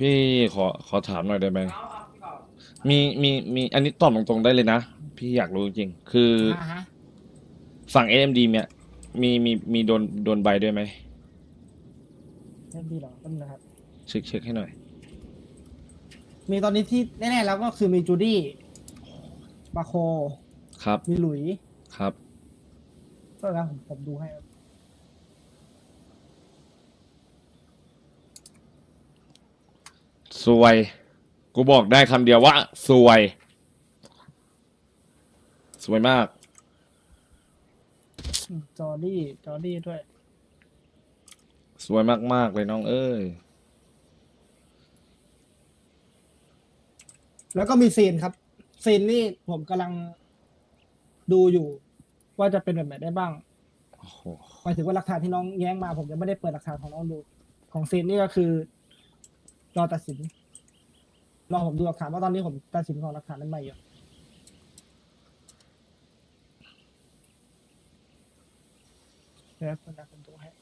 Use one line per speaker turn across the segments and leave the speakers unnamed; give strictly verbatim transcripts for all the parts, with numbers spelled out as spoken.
พี่ขอขอถามหน่อยได้ไหมมีมีมีอันนี้ตอบตรงๆได้เลยนะพี่อยากรู้จริงๆคือ
อ่าฮะ
ฝั่ง เอ เอ็ม ดี เนี่ยมีมีมีโดนโดนใบด้วยไหม
เริ่มดีเหรอต้นนะครับ
เช็คเช็คให้หน่อย
มีตอนนี้ที่แน่ๆแล้วก็คือมีจูดี้มาโค
ครับ
มีหลุย
ครับ
ก็แล้วผมผมดูให้ครับ
สวย กูบอกได้คำเดียวว่า สวย สวยมาก
อืมจอร์ดี้จอร์ดี้ด้วย
สวยมากๆเลยน้องเอ้ย
แล้วก็มีซีนครับซีนนี่ผมกำลังดูอยู่ ว่าจะเป็นแบบไหนได้บ้าง
โอ้โห
หมายถึงว่าหลักฐานที่น้องแย้งมา ผมยังไม่ได้เปิดหลักฐานของน้องดู ของซีนนี่ก็คือรอตัดสินรอผมดูหลักฐานว่าตอนนี้ผมตัดสินของหลักฐานนั้นใหม่อยู่เดี๋ยวคนละผมดูให้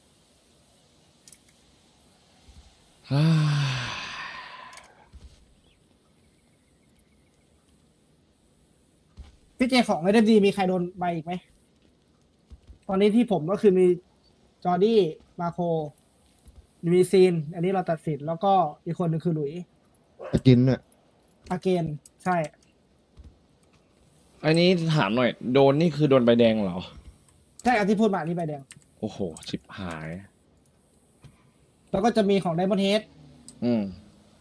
พี่เจของไอเดดีมีใครโดนใบอีกไหม ตอนนี้ที่ผมก็คือมีจอร์ดี้มาโค มีซีน อันนี้เราตัดสิน แล้วก็อีกคนหนึ่งคือหลุย
จะกินเนี่ย
อาเกน ใช่
อันนี้ถามหน่อย โดนนี่คือโดนใบแดงเหรอ
ใช่อันที่พูดมาอันนี้ใบแดง
โอ้โห ชิบหาย
แล้วก็จะมีของไดมอนด์เฮด
อืม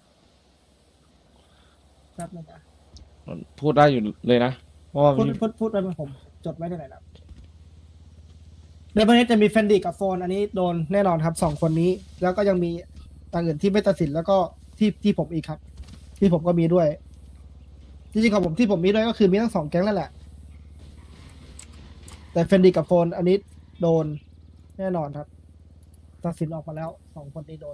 ครับนะจ๊ะ
พูดได้อยู่เลยนะ เพราะว่า
พูด
มี
พูดพูดไปเป็นผมจดไว้ในไหนนะไดมอนด์เฮดจะมีเฟนดี้กับโฟน อันนี้โดนแน่นอนครับสองคนนี้ แล้วก็ยังมีต่างอื่นที่ไม่ตัดสินแล้วก็ที่ที่ผมอีกครับ ที่ผมก็มีด้วย จริงๆของผมที่ผมมีด้วยก็คือมีทั้งสองแก๊งนั่นแหละ แต่เฟนดี้กับโฟน อันนี้โดนแน่นอนครับ ตัดสินออกมาแล้วสองคนนี้โดน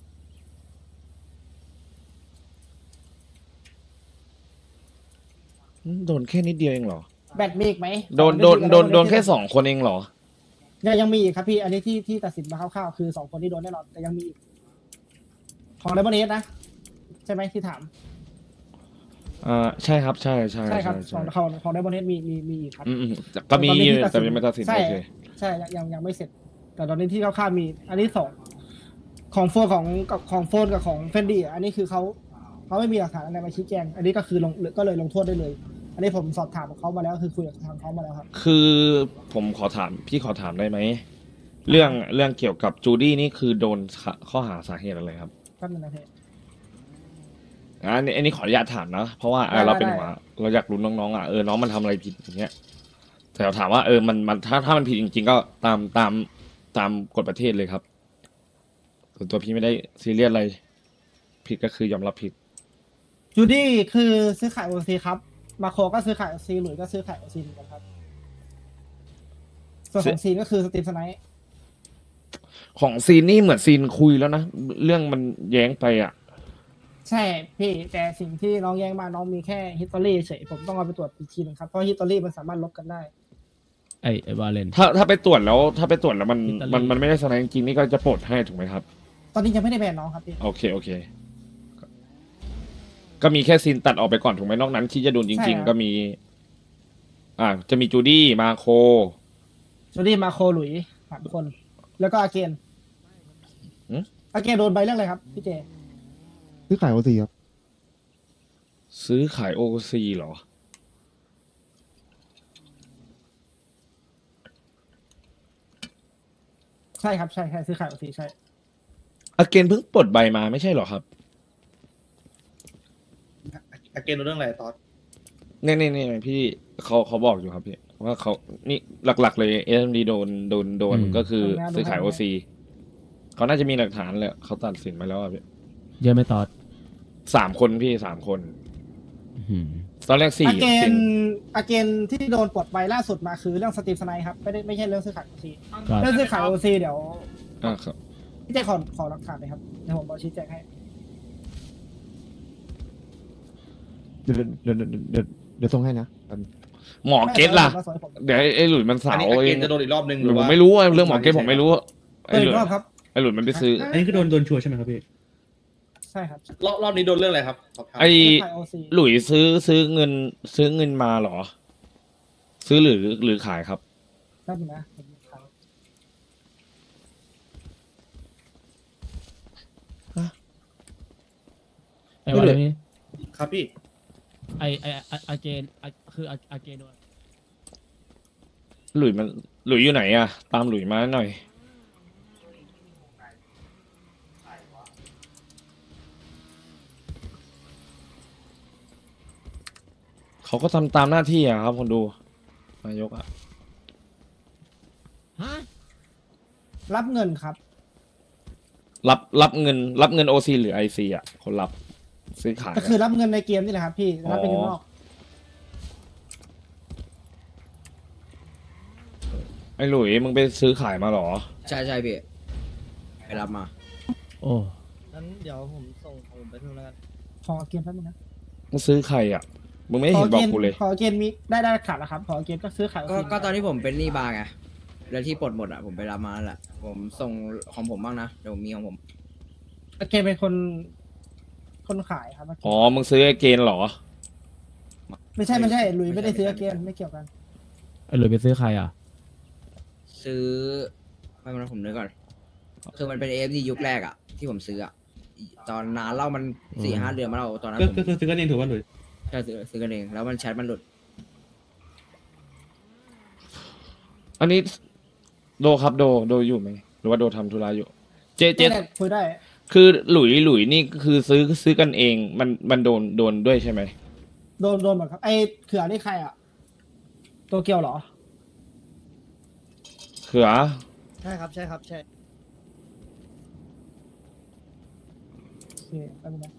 โดนแค่นิดเดียวเองเหรอ
แบตมีอีกไหม
โดนโดนโดนโดนแค่สองคนเองเหรอ
ยังยังมีอีกครับพี่ อันนี้ที่ที่ตัดสินมาคร่าวๆคือสองคนที่โดนแน่นอนแต่ยังมีอีกของไดมอนด์เฮดนะ ใช่ไหมที่ถาม
อ่า ใช่ครับ ใช่ใช่
ใช่ครับข
ใช่
องของของไดมอนด์เฮดมีมีมีอีกครับ
อืมอืมแต่ก็มี
ตอนนี้ที่ตัดสิน
แต่ยังไม่ตัดสิน
ใช่
โอเค
ใช่ยังยังยังไม่เสร็จ แต่ตอนนี้ที่คร่าวๆมี อันนี้สองของโฟนของกับของโฟนกับของเฟนดี้อันนี้คือเขาเขาไม่มีหลักฐานอะไรมาชี้แจง อันนี้ก็คือลงก็เลยลงโทษได้เลย อันนี้ผมสอบถามกับเขามาแล้วคือคุยกับทางเขามาแล้วครับ
คือผมขอถาม พี่ขอถามได้ไหม เรื่องเรื่องเกี่ยวกับจูดี้นี่คือโดนข้อหาสาเหตุอะไรครับ
แป๊บนึงนะพี่
อันนี้อันนี้ขออนุญาตถามนะ เพราะว่าเออ
ได้
เราเป็น
ได้
หัวเราอยากรู้น้องๆอ่ะเออน้องมันทำอะไรผิดอย่างเงี้ยแต่เราถามว่าเออมันมันถ้าถ้ามันผิดจริงๆ ก็ตามตามตามกฎประเทศเลยครับส่วนตัวพี่ไม่ได้ซีเรียสอะไร ผิดก็คือยอมรับผิด
จูดี้คือซื้อขายโอซีครับ มาโคก็ซื้อขายโอซีหลุยส์ก็ซื้อขายโอซีเหมือนกันครับ ส่วนของซีนก็คือสตีฟสไนท์
ของซีนนี่เหมือนซีนคุยแล้วนะ เรื่องมันแย้งไปอ่ะ
ใช่พี่แต่สิ่งที่น้องแย้งมาน้องมีแค่ฮิตตอรี่เฉยผมต้องเอาไปตรวจอีกทีหนึงครับ เพราะฮิตตอรี่มันสามารถลบกันได้
ไอไอวาเลน
ถ้าถ้าไปตรวจแล้ว ถ้าไปตรวจแล้วมัน
อิตาลี
มันมันไม่ได้แสดงจริงๆนี่ก็จะปลดให้ถูกไหมครับ
ตอนนี้ยังไม่ได้แบนน้องครับพี่
โอเคโอเค ก็มีแค่ซีนตัดออกไปก่อนถูกไหมนอกนั้นที่จะโดนจ
ใช่
ริง
ครับ
ๆ ก็มี อ่า จะมีจูดี้มาโค
จูดี้มาโคหลุยสามคน แล้วก็อาเกน
หืม
อาเกนโดนใบเรื่องอะไรครับพี่เจ
ซื้อขายโอซีครับ
ซื้อขายโอซีเหรอ
ใช่ครับใช่ใช่ซื้อขายโอซีใช่
อาเกนเพิ่งปลดใบมาไม่ใช่เหรอครับ
อาเกนรู้เรื่องอะไรตอน
เนี่ยเนี่ยเนี่ยพี่เขาเขาบอกอยู่ครับพี่ว่าเขานี่หลักๆเลยเอ็มดีโดนโดนโดนก็คือซื้อขายโอซีเขาน่าจะมีหลักฐานเลยเขาตัดสินมาแล้วอะพี่
เยอะไหม่ตอด
สามคนพี่สามคน
อื้อหือ
ตอนแรกสี่
อาเก
สี่
นอาเกนที่โดนปลดใบล่าสุดมาคือเรื่องสตีฟสไนท์ครับไม่ได้ไม่ใช่เรื่องซื้อขายโอซี
ครับ
เรื่องซื้อขายโอซีเดี๋ยว
อ่าครับ
พี่เจขอขอหลักฐานเลยครับเดี๋ยวผมบอกชี้แจงให้
เดี๋ยวเดี๋ยวเดี๋ยวเดี๋ยวเดี๋ยวส่งให้นะแป๊บนึง
หมอเกตล่ะ
ไม่เป็นไรผม
เดี๋ยวไอ้ไอ้หลุยมัน
อั
สาน ว
นี้อา
เอ
เก
ง
นจะโดนอีกรอบนึง
ห
ห
รื
รือ อ
ผม
ว่า
ไม่รู้อะเรื่องหมอเกตผมไม่รู้
เปิดอีกรอบครับ
ไอ้หลุยมันไปซื้อ
อันนี้คือโดนโดนชัวร์ใช่ไหมครับพี่
ใช่ครับ
รอบรอบนี้โดนเรื่องอะไรครับขอบคุณ
ไอ
ขายโอซี
หลุยซื้อซื้อเงินซื้อเงินมาเหรอ ซื้อหรือหรือขายครับ
แป๊บนึงนะผมขาย
ไอ้วาเลนนี่
ครับพี่
ไอไอไออาเกนไอคืออาอาเกนโดน
หลุยมันหลุยอยู่ไหนอะตามหลุยมาหน่อย เขาก็ทำตามหน้าที่อะครับคนดูนายกอะ
ฮะ
รับเงินครับ
รับรับเงิน รับเงินโอซีหรือไอซีอะคนรับซื้อขาย
ก็
อะ
คือรับเงินในเกมนี่แหละครับพี่รับเป็นเงินนอก
ไอหลุยมึงไปซื้อขายมาเหรอ
ใช่ใช่พี่ไปรับมา
โอ้
งั้นเดี๋ยวผมส่งของผมไปทุนแล้วกัน
ขอเกมแป๊บนึงนะ
มึงซื้อใครอะมึงไม่เห็นบอกกูเลย
ขอเกมมีได้ได้ขาดแล้วครับ ขอเกมก็ซื้อขาย
ก็ก็ตอนที่ผมเป็นหนี้บาร์ไงแล้วที่ปลดหมดอ่ะผมไปรับมาแล้วแหละผมส่งของผมบ้างนะเดี๋ยวผมมีของผม
เกมเป็นคนคนขายครับ
อ๋อ มึงซื้อไอเกนเหรอ
ไม่ใช่ไม่ใช่หลุยไม่ได้ซื้อเกมไม่เกี่ยวกัน
ไอหลุยไปซื้อใครอ่ะ
ซื้อไม่เป็นไรผมนึกก่อนคือมันเป็นเอฟดียุคแรกอ่ะที่ผมซื้ออ่ะตอนนานเล่ามันสี่ห้าเดือนมาแล้วตอนนั้น
ก็
ผม
ก็คือซื้อกันเองถือว่าหลุย
ใช่ซื้อซื้อกันเองแล้วมันแชทมันหลุด
อันนี้โดครับโดโดอยู่ไหมหรือว่าโดทำธุระอยู่ เจเจ
ได้คุยได้
คือหลุยหลุยนี่คือซื้อซื้อกันเอง มันมันโดนโดนด้วยใช่ไหม
โดนโดนหมดครับไอ้เขือนี่ใครอ่ะโตเกียวเหรอ
เขือ
ใช่ครับ ใช่ครับ ใช่
โอเคแป๊บนึงนะ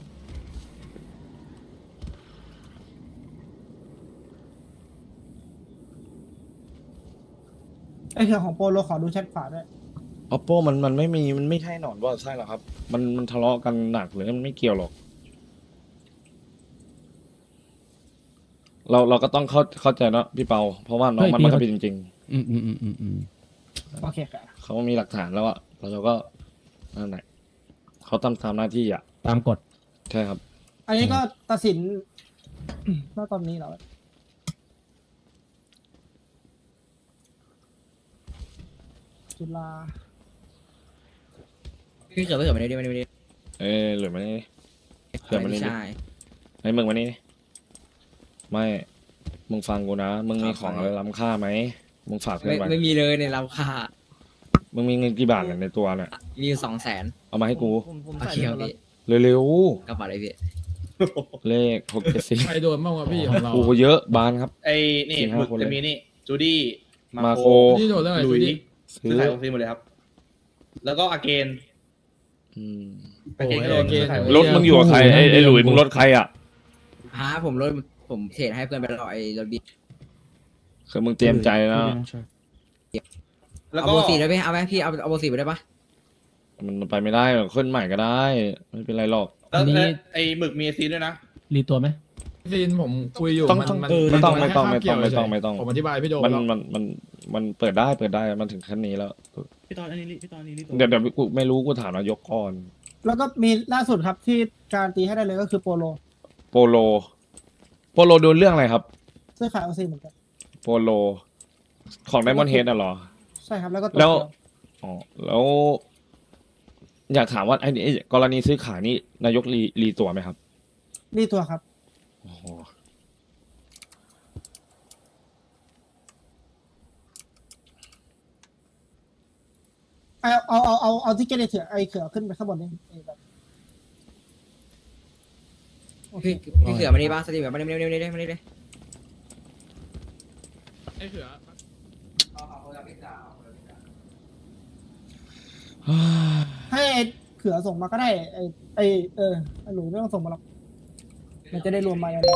ไอ้เขือของโปโลขอดูแชทขวาด้วย
ออปโปมันมันไม่มีมันไม่ใช่หนอนว่าใช่หรอครับ มันมันทะเลาะกันหนักเลยมันไม่เกี่ยวหรอก เราเราก็ต้องเข้าเข้าใจเนอะพี่เปา เพราะว่าน้อง
เฮ้ย
มัน
พี่
มันก็
เขา
ผิดจริง
อืมอืมอืมอืมอืม
โอเคครับ
ๆเขามีหลักฐานแล้วอะเราก็นั่นแหละเขาทำตามหน้าที่อะ
ตามกฎ
ใช่ครับ
อันนี้ก็ตัดสิน ณตอนนี้เหรอจุฬา
พี่เสือพี่เสือมาดิมาดิมาดิ
เอ้ยหลุยมานี่เขือมานี่ดิ
ใช่
ไอ้มึงมานี่ดิไม่ มึงฟังกูนะ มึงมีของอะไรล้ำค่าไหม มึงฝากเพื่อ
ไม่
นไว้
ไม่มีเลยในราคา
มึงมีเงินกี่บาทเนี่ยในตัวเนี่ย
มีอยู่สองแสน
เอามาให้กู
ผมผม
โอ
ใส่
เค
ไป
ครับ
หมดแล้ว
พี่
เร็ว
กระเป๋าอะไรพี่
ๆ เลขหกเจ็ดสี่
ใครโดนบ้างวะพี่ของเรา
โอ้โหเยอะบานครับ
ไอ้นี่
สี่ห้า
หมึก
คนเลย
จะมีนี่จูดี้
มา
มา
โค
โค
ที่โดนเรื่องอะไร
หลุย
จูดี้
ซื้
ซื้
อ
อขายโอซีหมดเลยครับ แล้วก็อาเกน
อืม
อาเกนก็โดน
โอ้ยอาเกน
ซื้อขาย
รถมึงอยู่กับใครไอ้ไอ้หลุยมึงรถใครอ่ะ
ฮะผมรถผมเทรดให้เพื่อนไปแล้วไอ้รถบี
คือมึงเตรียมใจนะ
แล้ว
เอา
ก็
โบสีได้ไหมเอาไหมพี่เอาเอาโบสีไปได้ปะ
มันไปไม่ได้หรอกขึ้นใหม่ก็ได้ ไม่เป็นไรหรอก
แล้ว
อันนี้
แล้วไอ้หมึกมีซีด้วยนะ
รีตัวไหม
ซีนผมคุยอยู่
ต้อง
มัน
ต้อง
มัน
เออไม่ต้องไม่ต้อง
น
ไม่ต้อง
แค่
ไม่ต้อง
คาบ
ไม่ต้อง
เกี่ยวเฉยๆผมอธิบายพี่โด
มัน
แล้ว
มันมันมันเปิดได้เปิดได้มันถึงขั้นนี้แล้ว
พี่ตอนอันนี้พี่ตอนนี้นี่
เดี๋ยวเดี๋ยวกูไม่รู้กูถามนายกก่อน
แล้วก็มีล่าสุดครับที่การตีให้ได้เลยก็คือโปโล
โปโล โปโลโดนเรื่องอะไรครับ
ซื้อขายโอซีเหมือนกัน
โปโล ของไดมอนเฮดอ่ะเหรอ
ใช่ครับแล้วก็โต
แล้ว
เกียว
อ๋อแล้ว อยากถามว่าไอ้นี่ไอ้กรณีซื้อขายนี่นายกรีรีตัวไหมครับ
นี่ตัวครับ
โอ้โห
เอาเอาเอาเอาเอาที่เกตไอเถื่อไอเขือขึ้นไปข้างบนนี่ไอ้แบบโอเค
พี่พี่เสือมานี่ปะสตรีมแบบมานี่มานี่มานี่มานี่เลย
ไอ้เขือ
ให้ไอเขือส่งมาก็ได้ไอไอเออไอหลุยไม่ต้องส่งมาหรอกมันจะได้รวมมาอย่างเดียว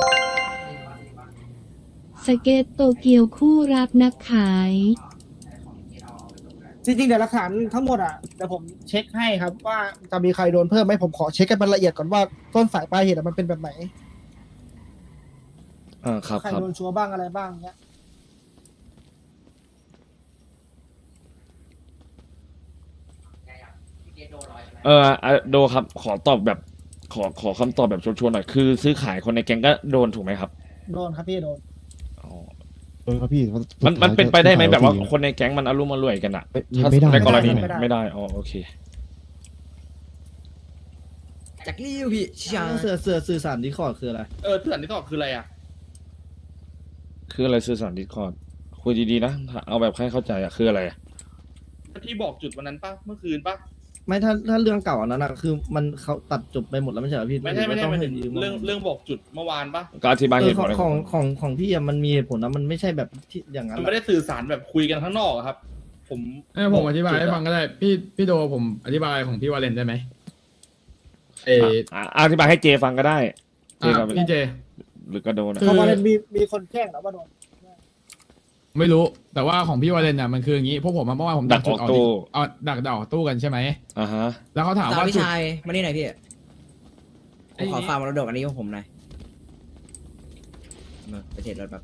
สเก็ตโตเกียวคู่รักนักขาย
จริงๆเดี๋ยวหลักฐานทั้งหมดอ่ะเดี๋ยวผมเช็คให้ครับ ว่าจะมีใครโดนเพิ่มไหมผมขอเช็คกันมันละเอียดก่อนว่าต้นสายปลายเหตุอะมันเป็นแบบไหน
อ่าครับ
ใคร
ครับ
โดนชัวร์บ้างอะไรบ้างเงี้ย
เอออ่ะโดครับ ขอตอบแบบขอขอคำตอบแบบชัวร์ๆหน่อย คือซื้อขายคนในแก๊งก็โดนถูกไหมครับ
โดนครับพี่โดน
อ๋อ
เออครับพี่
มันมันเป็นไปได้ไหมแบบว่าคนในแก๊งมันอารมณ์อร่วยกันอะ
ไม่ไม่ได้
ในกรณี
ไม่ได้
ไม่ได้อ๋อโอเค
จากริ้วพี่ชา
เสือเสือสื่อสารดิคอร์ดคืออะไร
เออเถื่อนที่ต่อคืออะไรอ่ะ
คืออะไรสื่อสารดิสคอร์ดคุยดีๆนะเอาแบบให้เข้าใจอะคืออะไรอะ
ที่บอกจุดวันนั้นปะเมื่อคืนปะ
ไม่ถ้าถ้าเรื่องเก่าอันนั้นอะคือมันเขาตัดจบไปหมดแล้วไม่ใช่เหรอพี่
ไม่ใช่ไม่ใช่
ต้อง
ไม่
ให้
ใช่
ยืม
เรื่องเรื่องบอกจุดเมื่อวานปะ
ก็อธิบาย
เอ
เห
อ
ตุ
ข
ผ
อง
ลอะไร
ของของของพี่อะมันมีเหตุผลนะมันไม่ใช่แบบที่อย่างนั้น
มัน
อะ
ไม่ได้สื่อสารแบบคุยกันข้างนอกอะครับ ผม
เอ้ยผมอธิบายให้ฟังก็ได้ พี่พี่โดผมอธิบายของพี่วาเลนได้ไหมเออ
อ่ะอ่ะอธิบายให้เจฟังก็ได้เจ
อ่ะ
กับ
พี่เจ
หรือก็โดนอะ
คื
เพราะว่ามีมีคนแจ้งแล้วว่าโดน
ไม่รู้แต่ว่าของพี่วาเลนน่ะมันคืออย่างนี้พวกผมอะเมื่อวานผม
ดักออกตู้
เอาดักดักออกตู้กันใช่ไหม
อ่าฮะ
แล้วเขาถาม
สาว
ว่า
พี่
จุด
ชายมานี่หน่อยพี่ผ
ไอ้
มขอ
นี่
ฝากมรดกอันนี้ของผมหน่อยมาไปเทรดรถแบบ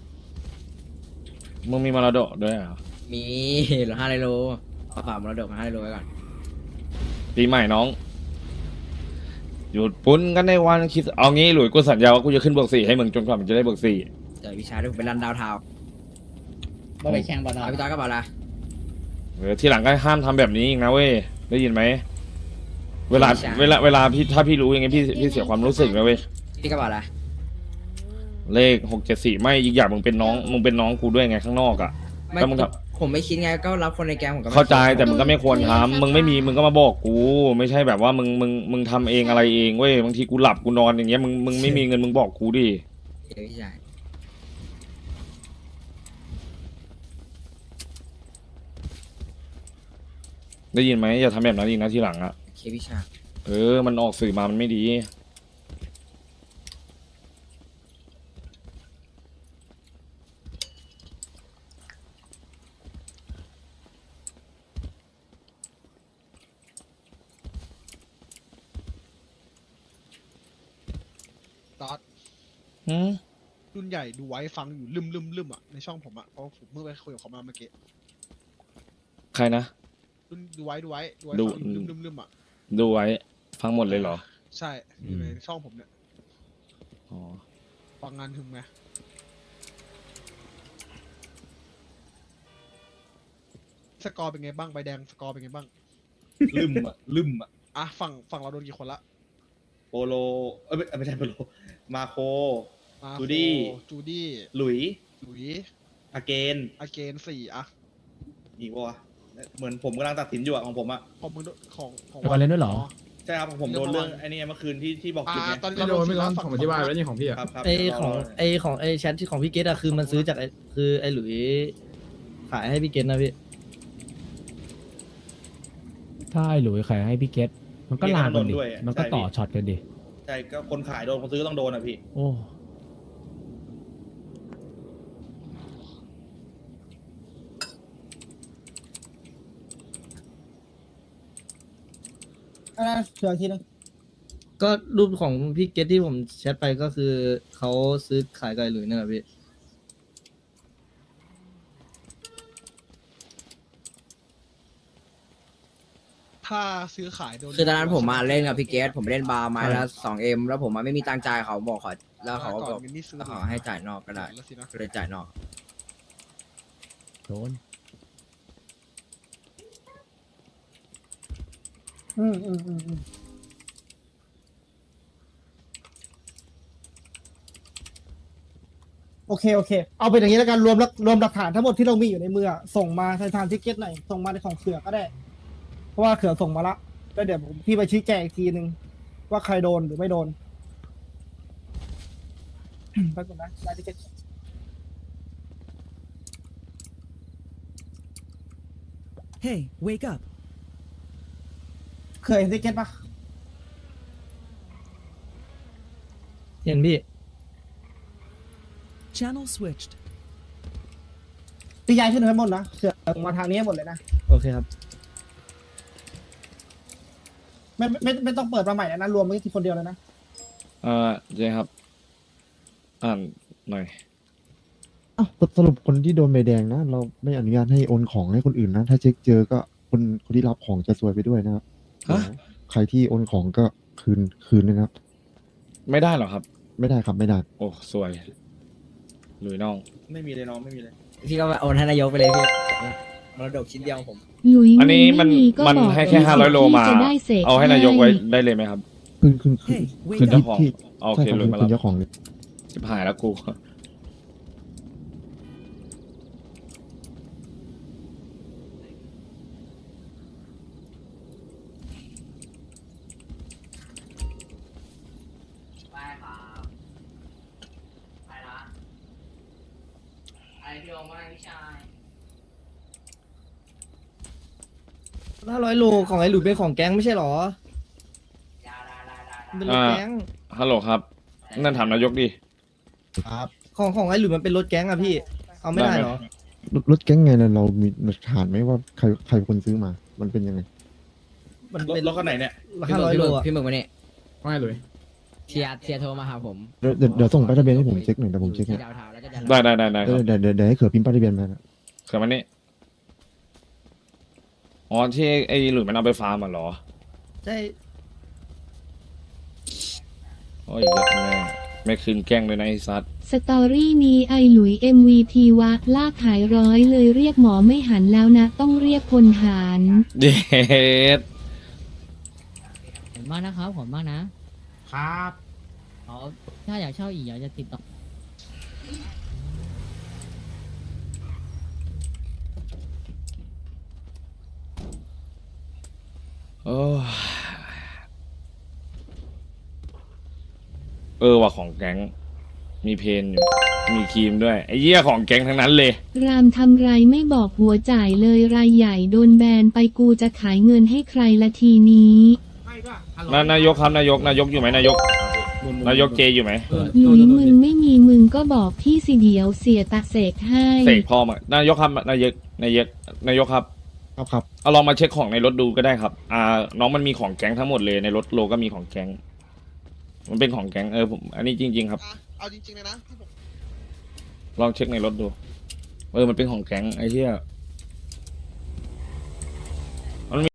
มึงมีมรดกด้วยเหรอ
มีเหลือห้าไลโลขอฝากมรดกมาห้าไลโลไว้ก่อน
ปีใหม่น้อง หยุดปุ้นกันในวันคิดเอางี้หลุยกูสัญญาว่ากูจะขึ้นบวกสี่ให้มึงจนกว่ามึงจะได้บวกสี่
เดี๋ยวพี่ชายเดี๋ยวผมไปรันดาวเทาวน์
มาไปแข่งบอล
เอาพี่ต้อยก็บอกละ
เออที่หลังก็ห้ามทำแบบนี้อีกนะเว้ยได้ยินไหมเวลาเวลาเวลาพี่ถ้าพี่รู้อย่างงี้พี่พี่เสียความรู้สึกนะเว้ย
พี่ก็บอกละ
เลขหกเจ็ดสี่ไม่อีกอย่างมึงเป็นน้องมึงเป็นน้องกูด้วยไงข้างนอกอ่ะ
ไม่
แล้วมึงท
ผมไม่คิดไงก็รับคนในแก๊งผมก็ไม่
เข้าใจ
คิด
แต่มึงก็ไม่ควรทำมึงไม่มีมึงก็มาบอกกู ไม่ใช่แบบว่ามึงมึงมึงทำเองอะไรเองเว้ยบางทีกูหลับกูนอนอย่างเงี้ยมึงมึงไม่มีเงินมึงบอกกูดิ
เดี๋ยวพี่ชาย
ได้ยินไหมอย่าทำแบบนั้นอีกนะทีหลังอ่ะ
โอเคพี่ชาย
เออมันออกสื่อมามันไม่ดี
ตอด
หืม
รุ่นใหญ่ดูไว้ฟังอยู่ลืมลืมลืมอ่ะในช่องผมอ่ะเพราะผมเพิ่งไปคุยกับเขามาเมื่อกี้
ใครนะ
รุ่นดูไว้ดูไว้ดูไว้
ดู
ฟังอยู่ลืมลืมลืมอ่ะ
ดูไว้ฟังหมดเลยเหรอ
ใช่อยู่ในช่องผมเนี่ย
อ๋อ
ฟังงานถึงไหมสกอร์เป็นไงบ้างใบแดงสกอร์เป็นไงบ้าง
ลืมอะลืมอะ
อ่ะฝั่งฝั่งเราโดนกี่คนละ
โปโลเอ้ยไม่ไม่ใช่โปโลมาโค
มา
จูดี้
โคจูดี้
หลุย
หลุย
อาเกน
อาเกนสี่อ่ะ
อีกวะเหมือนผมกำลังตัดสินอยู่อะของผมอะ
ของมึงโดนของของ
วาเลนด้วยเหรอ
ใช่ครับของผมโดนเรื่องไอ้นี่เมื่อคืนที่ที่บอก
อ่า
จุดไง
ตอนนี้
ไม่
เรา
โดนไม่
สี่
ร้อ
ละ
น
ฝั่
ผมอธิบายไว้นี่ของพี่อะ
ครับครับ
ไอของ
ร
ไอของไอแชทที่ของพี่เกตอะคือมันซื้อจากไอคือไอหลุยขายให้พี่เกตนะพี่
ถ้าไอ้หลุยขายให้พี่เกตมันก็ลามกันดิ มันก็ต่อช็อตกันดิ
ใช่ก็คนขายโดนคนซื้อก็ต้องโดนอะพี่
โอ้
อันนั้นเสือทีนึง
ก็รูปของพี่เกตที่ผมแชทไปก็คือเขาซื้อขายกับไอหลุยเนี่ยแหละพี่
ถ้าซื้อขายโดน
คือตอนนั้นผมมาเล่นกับพี่เกตผมเล่นบาร์ไม้ละสองเอ็มแล้วผมมาไม่มีตังค์จ่ายเขาบอกขอแล้วเขาก็
ก่
บ
อ
อน ก
มินนี่ซื้อ
ขอให้จ่ายนอกก็ได้
แล้วสินะ
ก็เลยจ่ายนอก
โดน
อืมอืมอืมอืมโอเคโอเค เอาเป็นอย่างนี้แล้วกันรวมแล้วรวมหลักฐานทั้งหมดที่เรามีอยู่ในมืออะส่งมาในทางทิกเก็ตหน่อยส่งมาในของเขือก็ได้ เพราะว่าเขือส่งมาละแล้วเดี๋ยวผมพี่ไปชี้แจงอีกทีนึงว่าใครโดนหรือไม่โดน ไปก่อนนะรายทิกเก็ต
Hey, wake up.
เคยเห็นทิกเก็ตปะ
เห็นพี่
Channel switched.
ตีย้ายขึ้นทั้งหมดนะเสือมาทางนี้ให้หมดเลยนะ
โอเคครับ
ไม่ไม่ไม่ไม่ต้องเปิดมาใหม่แล้วนะรวมไว้ที่คนเดียวเลยนะ
เออเจครับ อ่านหน่อย
อ้าวสรุปคนที่โดนใบแดงนะ เราไม่อนุญาตให้โอนของให้คนอื่นนะ ถ้าเช็คเจอก็คนคนที่รับของจะซวยไปด้วยนะครับ
ฮะ
ใครที่โอนของก็คืนคืนนะครับ
ไม่ได้หรอครับ
ไม่ได้ครับไม่ได้
โอ้สวยหลุยน้อง
ไม่มีเลยน้องไม่มีเลย
พี่ก็โอนให้นายกไปเลยพี่มรดกชิ้นเดียวของผม
หลุย
อันนี้มัน
ไก็
มัน
บอก
ให้แค่
สิ
ห้าร้อยโลมา
ที่จะได้สก
เอาให้นายกไว้ได้เลยไหมครับ
คืนคืนคืน
Hey,
คืน
wake
เจ้า
up.
ของ
ที่
โอ
ใช่
เค
ครับ
หลุย
คื
มาน รับ
เจ้าของเลย
ชิบหายแล้วกู
ไปครับไปละไอพี่โอมาพี่ชาย
ห้าร้อยโลของไอ้หลุยเป็นของแก๊งไม่ใช่หรอ
ได้ได้ได้ได้
มันเป็นรถแก๊ง
ฮัลโหลครับ นั่นถามนายกดิ
ครับ
ของของไอ้หลุยมันเป็นรถแก๊งอะพี่ เอาไม่ได้เหรอ
รถรถแก๊งไงนะเรามีหลักฐานไหมว่าใครใครเป็นคนซื้อมา มันเป็นยังไง
มัน
รถ
เป็น
รถคันไหนเนี่ย
ห้าร้อยโลอะ
พี่หมึกมาเนี่ย
ว่าไงหลุย
เทียร์เทียร์โทรมาหาผม
เดี๋ยวเดี๋ยวเดี๋ยวส่งป้ายทะเบียนให้ผมเช็คหน่อยเดี๋ยวผมเช็คให้
ที่ดาวเทาแล้วก็จะ
ได้ได้ได้ได้ค
เดี๋
รั
ยว
บ
เดี๋ยวเดี๋ยวเดี๋ยวให้เขือพิมพ์ป้ายทะเบียนมานะ
เขื่อนมันนี่อ๋อที่ไอ้หลุยมันเอาไปฟาร์มอ่ะเหรอ
ใช่
โอ้ยเหี้ยแม่ไม่คืนแกล้งเลยนะไอ้ซัด
สตอรี่นี้ไอหลุย เอ็ม วี พี วะลากขายร้อยเลยเรียกหมอไม่หันแล้วนะ ต้องเรียกพลหาร
เด็ด
ขอบคุณมากนะครับขอบคุณมากนะครับอ๋อถ้าอยากเช่าอีกอยากจะติดต่อ
โอ้ยเออว่ะของแก๊ง มีเพนอยู่ มีครีมด้วย ไอ้เหี้ยของแก๊งทั้งนั้นเลย
รามทำไรไม่บอกหัวจ่ายเลยรายใหญ่โดนแบนไปกูจะขายเงินให้ใครละทีนี้
นานายกครับนายกนายกอยู่ไหมนายก นายกเจอยู่ไหม
หลุยมึงไม่มีมึงก็บอกพี่สิเดียวเสียตาเสกให้
เสกพ่อมานายกครับนายกนายกนายกครับ
ครับครับ
เอาลองมาเช็คของในรถดูก็ได้ครับ อ่า น้องมันมีของแก๊งทั้งหมดเลยในรถโลก็มีของแก๊ง มันเป็นของแก๊งเออผมอันนี้จริง ๆ ครับ
อ่ะเอาจริงๆเลยนะที่ผม
ลองเช็คในรถดู เออมันเป็นของแก๊งไอ้เหี้ย